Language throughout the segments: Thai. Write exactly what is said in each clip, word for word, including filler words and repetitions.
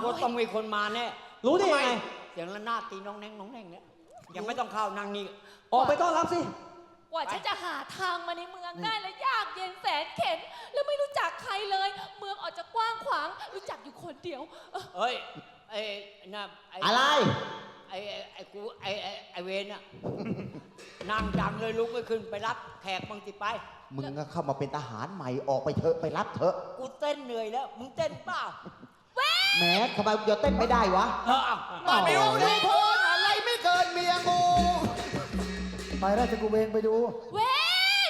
ว่าต้องมีคนมาแน่รู้ได้ยังไงเสียงระนาดตีน้องแนงน้องแนงเนี่ยยังไม่ต้องเข้านั่งนี่ออกไปต้อนรับสิกว่าฉันจะหาทางมาในเมืองได้แล้วยากเย็นแสนเข็ญแล้วไม่รู้จักใครเลยเมืองออกจะกว้างขวางรู้จักอยู่คนเดียวเฮ้ยไอ้น่ะอะไรไอ้ไอ้กูไอ้ไอ้เวนน่ะนั่งจังเลยลุกไม่ขึ้นไปรับแขกบางทีไปมึงก็เข้ามาเป็นทหารใหม่ออกไปเถอะไปรับเถอะกูเต้นเหนื่อยแล้วมึงเต้นเปล่าแหมทำไมเดี๋ยวเต้นไม่ได้วะเออมาดูดูโพนอะไรไม่เกินเมียงูไปราชกุเวนไปดูเวน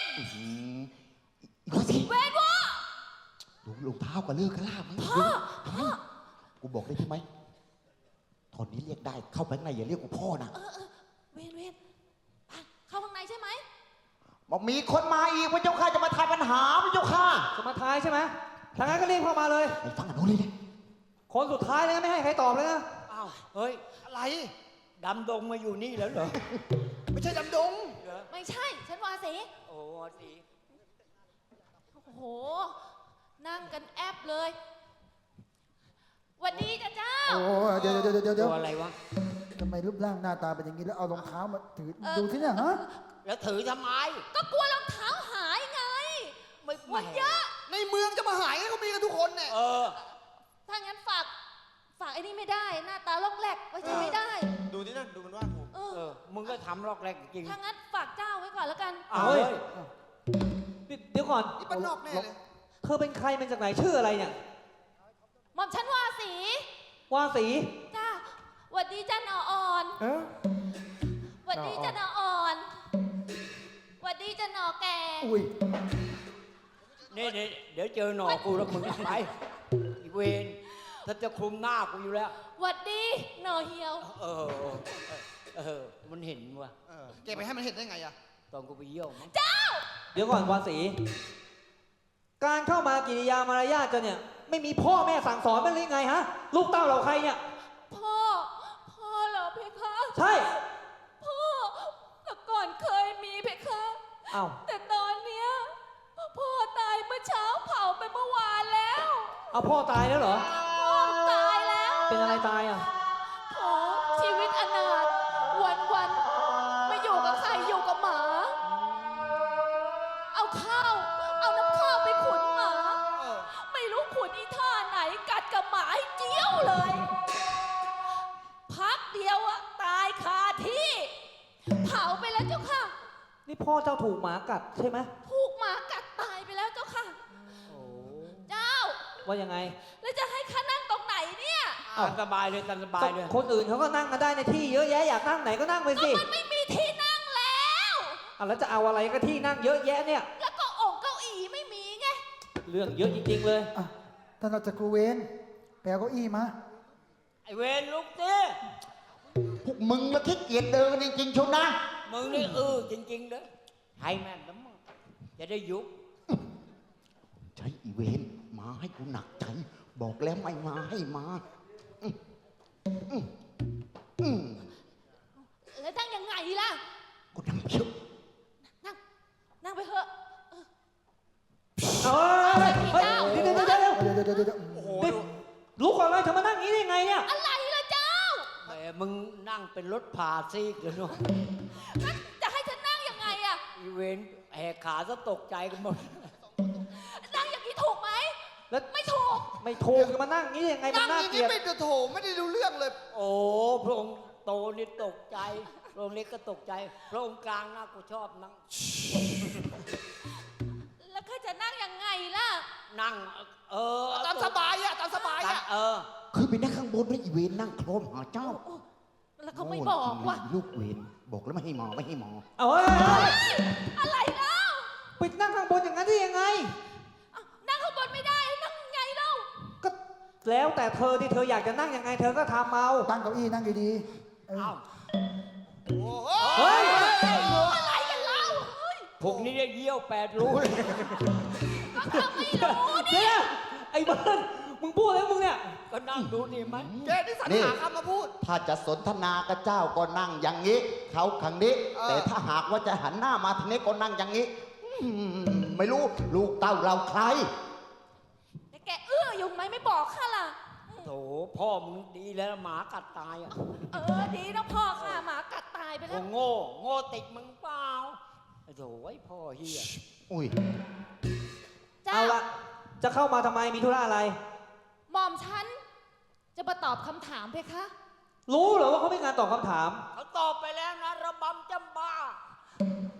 เวนวะดูรองเท้ากับเลือกกระลาบมั้งกูบอกได้ใช่ไหมตอนนี้เรียกได้เข้าไปข้างในอย่าเรียกกูพ่อนะเวนเวนเข้าข้างในใช่ไหมบอกมีคนมาอีกพระเจ้าข้าจะมาทายปัญหาพระเจ้าข้าจะมาทายใช่ไหมทางนั้นก็เรียกเข้ามาเลยไปฟังกันโน้นเลยเนี่ยคนสุดท้ายเลยไม่ให้ใครตอบเลยนะอ้าวเฮ้ยอะไรดำดงมาอยู่นี่แล้วเหรอไม่ใช่ดำดงไม่ใช่ฉันวาสีโอ้วาสีโอ้โหนั่งกันแอบเลยวันดีจ้าเจ้าโอ้เดี๋ยวเดี๋ยวเดี๋ยวเดี๋ยวอะไรวะทำไมรูปร่างหน้าตาเป็นอย่างนี้แล้วเอารองเท้ามาถือดูที่เนี่ยฮะแล้วถือทำไมก็กลัวรองเท้าหายไงไม่หมดเยอะในเมืองจะมาหายก็มีกันทุกคนเนี่ยเออถ้างั้นฝากฝากไอ้นี่ไม่ได้หน้าตาลอกแหลกไว้ใจไม่ได้ดูที่นั่นดูมันว่ากูเออมึงก็ทำลอกแหลกจริงถ้างั้นฝากเจ้าไว้ก่อนแล้วกันเฮ้ยเดี๋ยวก่อนนี่เป็นนอกแน่เลยเธอเป็นใครเป็นจากไหนชื่ออะไรเนี่ยหม่อมฉันวาสีวาสีจ้าหวัดดีจ้าหนออ่อนหวัดดีจ้าหนออ่อนหวัดดีจ้าหนอแก่อุ้ยนี่เดี๋ยวเจอหนอกูแล้วมึงไปอีเวนถ้าจะคลุมหน้ากูอยู่แล้วหวัดดีหนอเหี่ยวเออเออมันเห็นว่ะแกไปให้มันเห็นได้ไงอะตอนกูไปเยี่ยวมั้งเจ้าเดี๋ยวก่อนวาสีการเข้ามากิริยามารยาทกันเนี่ยไม่มีพ่อแม่สั่งสอนมันหรือไงฮะลูกเต้าเราใครเนี่ยพ่อพ่อเหรอเพคะใช่พ่อแต่ก่อนเคยมีเพคะอ้าวแต่ตอนเนี้ยพ่อตายเมื่อเช้าเผาไปเมื่อวานแล้วเอาพ่อตายแล้วเหรอพ่อตายแล้วเป็นอะไรตายอ่ะโอ้ชีวิตอนาถวันวันไม่อยู่กับใครอยู่กับหมาเอาข้าวเอาน้ำข้าวไปขุนหมาไม่รู้ขุนอีท่าไหนกัดกับหมาให้เจี้ยวเลยพักเดียวอะตายคาที่เผาไปแล้วเจ้าค่ะนี่พ่อเจ้าถูกหมากัดใช่ไหมถูกหมากัดตายไปแล้วเจ้าค่ะเจ้าว่ายังไงแล้วจะให้ข้านั่งตรงไหนเนี่ยตามสบายเลยตามสบายเลยคนอื่นเขาก็นั่งกันได้ในที่เยอะแยะอยากนั่งไหนก็นั่งไปสิมันไม่มีที่นั่งแล้วอ่ะแล้วจะเอาอะไรก็ที่นั่งเยอะแยะเนี่ยแล้วก็องค์เก้าอี้ไม่มีไงเรื่องเยอะจริงๆเลยอ่ะท่านราชกุเวนแปลเก้าอี้มาไอเวนลุกดิพวกมึงละขี้เกียจเดินจริงๆชนนะมึงนี่เออจริงๆเด้อให้แม่งน้ำมึงจะได้ยุบใช้อีเวนมาให้กูหนักใจบอกแล้วไม่มาให้มาแล้วนั่งยังไงล่ะกูนั่งเชื่อนั่งนั่งไปเถอะเฮ้ยเฮ้ยเดี๋ยวเดี๋ยวเดี๋ยวเดี๋ยวเดี๋ยวเดี๋ยวโอ้โหลุกก่อนเลยเธอมานั่งงี้ได้ไงเนี่ยอะไรล่ะเจ้าแหมมึงนั่งเป็นรถผ่าซีกเลยเนาะจะให้ฉันนั่งยังไงอะอีเวนแหกขาซะตกใจกันหมดนั่งอย่างนี้ถูกไหมแล้วไม่ถูกไม่ถูกจะมานั่งงี้ยังไงมันน่าเกลียดไม่จะโถไม่ได้ดูเรื่องเลยโอ้พระองค์โตนี่ตกใจพระองค์เล็กก็ตกใจพระองค์กลางน่ากูชอบนั่งแล้วข้าจะนั่งยังไงล่ะนั่งเออตามสบายอะตามสบายอะเออคือไปนั่งข้างบนแล้วอีเวนนั่งโครมหาเจ้าแล้วเขาไม่บอกว่าลูกเวนบอกแล้วไม่ให้หมอไม่ให้หมอเอาเฮ้ยอะไรแล้วไปนั่งข้างบนอย่างนั้นได้ยังไงนั่งข้างบนไม่ได้นั่งไงเล่าก็แล้วแต่เธอที่เธออยากจะนั่งยังไงเธอก็ทำเอาตั้งเก้าอี้นั่งดีๆเอ้าเฮ้ยอะไรกันเล่าพวกนี้ได้เยี่ยวแปดรูเลยก็ทำไม่รู้เนี่ยไอ้เบิร์นมึงพูดอะไรมึงเนี่ยก็นั่งดูดีไหมแกที่สัญหาคำมาพูดถ้าจะสนทนากับเจ้าก็นั่งอย่างนี้เขาขังนี้แต่ถ้าหากว่าจะหันหน้ามาทางนี้ก็นั่งอย่างนี้ไม่รู้ลูกเต้าเราใครแต่แกเอื้ออยู่ไหมไม่บอกข้าล่ะโถพ่อมึงดีแล้วหมากัดตายอ่ะเออดีนะพ่อค่ะหมากัดตายไปโงแล้วโง่โง่ติดมึงเปล่าไอ้โถไอ้พ่อเฮียอุ้ยเจ้าเอาละจะเข้ามาทำไมมีธุระอะไรหม่อมฉันจะมาตอบคำถามเพคะรู้เหรอว่าเขาไม่การตอบคำถามเขาตอบไปแล้วนะระบำจำบ้า